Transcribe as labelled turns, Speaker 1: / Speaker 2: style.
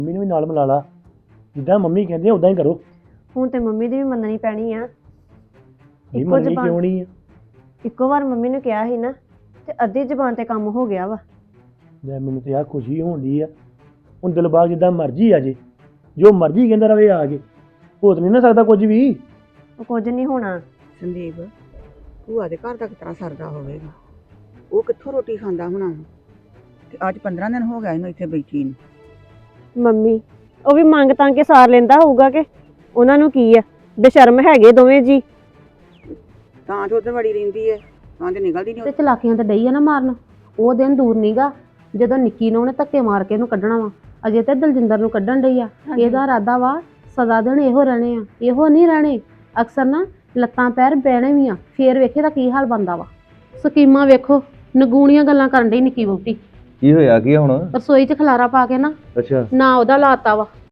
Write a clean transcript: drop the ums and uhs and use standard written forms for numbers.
Speaker 1: Mummy ਨੂੰ ਵੀ ਨਾਲ ਮਿਲਾ ਲਾ, ਜਿੱਦਾਂ ਮੰਮੀ ਕਹਿੰਦੇ ਆ ਉਦਾਂ ਹੀ ਕਰੋ।
Speaker 2: ਹੁਣ ਤੇ ਮੰਮੀ ਦੀ ਵੀ ਮੰਨਣੀ ਪੈਣੀ ਆ।
Speaker 1: ਨਹੀਂ ਮੰਨਣੀ ਕਿਉਂ ਨਹੀਂ ਆ?
Speaker 2: ਇੱਕੋ ਵਾਰ ਮੰਮੀ ਨੂੰ ਕਿਹਾ ਸੀ ਨਾ ਤੇ ਅੱਧੀ ਜ਼ਬਾਨ ਤੇ ਕੰਮ ਹੋ ਗਿਆ ਵਾ।
Speaker 1: ਲੈ ਮੈਨੂੰ ਤੇ ਆ ਖੁਸ਼ੀ ਹੋਣ ਡਈ ਆ। ਹੁਣ ਦਿਲਬਾਗ ਜਿੱਦਾਂ ਮਰਜ਼ੀ ਆ ਜੇ, ਜੋ ਮਰਜ਼ੀ ਕਹਿੰਦਾ ਰਵੇ ਆ ਕੇ, ਹੋ ਤਾਂ ਨਹੀਂ ਨਾ ਸਕਦਾ ਕੁਝ ਵੀ।
Speaker 2: ਉਹ ਕੁਝ ਨਹੀਂ ਹੋਣਾ।
Speaker 3: ਸੰਦੀਪ ਭੂਆ ਦੇ ਘਰ ਦਾ ਕਿਤਨਾ ਸਰਦਾ ਹੋਵੇਗਾ, ਉਹ ਕਿੱਥੋਂ ਰੋਟੀ ਖਾਂਦਾ ਹੋਣਾ ਤੇ ਅੱਜ 15 ਦਿਨ ਹੋ ਗਿਆ ਇਹਨੂੰ ਇੱਥੇ ਬੈਠੀ ਨੂੰ।
Speaker 2: ਮੰਮੀ ਉਹ ਵੀ ਮੰਗ ਤਾਂ ਕੇ ਸਾਰ ਲੈਂਦਾ ਹੋਊਗਾ ਕਿ ਉਹਨਾਂ ਨੂੰ ਕੀ ਆ, ਬੇਸ਼ਰਮ ਹੈਗੇ ਦੋਵੇਂ ਜੀ।
Speaker 3: ਤਾਂ ਤੇ ਉੱਧਰ ਵੜੀ ਰਹਿੰਦੀ ਹੈ, ਤਾਂ ਤੇ ਨਿਕਲਦੀ
Speaker 4: ਤੇ
Speaker 3: ਨਹੀਂ।
Speaker 4: ਚਲਾਕੀਆਂ ਤੇ ਡਈ ਆ ਨਾ ਮਾਰਨ। ਉਹ ਦਿਨ ਦੂਰ ਨੀਗਾ ਜਦੋਂ ਨਿੱਕੀ ਨੂੰ ਉਹਨੇ ਧੱਕੇ ਮਾਰ ਕੇ ਇਹਨੂੰ ਕੱਢਣਾ ਵਾ। ਅਜੇ ਤੇ ਦਲਜਿੰਦਰ ਨੂੰ ਕੱਢਣ ਡਈ ਆ। ਇਹਦਾ ਇਰਾਦਾ ਵਾ ਸਦਾ ਦਿਨ ਇਹੋ ਰਹਿਣੇ ਆ, ਇਹੋ ਨਹੀਂ ਰਹਿਣੇ। ਅਕਸਰ ਨਾ ਲੱਤਾਂ ਪੈਰ ਬਹਿਣੇ ਵੀ ਆ, ਫੇਰ ਵੇਖੇ ਦਾ ਕੀ ਹਾਲ ਬਣਦਾ ਵਾ। ਸਕੀਮਾਂ ਵੇਖੋ, ਨਗੂਣੀਆਂ ਗੱਲਾਂ ਕਰਨ ਡਈ ਨਿੱਕੀ ਵਹੁਟੀ।
Speaker 5: ਕੀ ਹੋਇਆ ਕੀ ਹੁਣ?
Speaker 4: ਰਸੋਈ 'ਚ ਖਲਾਰਾ ਪਾ ਕੇ ਨਾ
Speaker 5: ਅੱਛਾ
Speaker 4: ਨਾ ਉਹਦਾ ਲਾਤਾ ਵਾ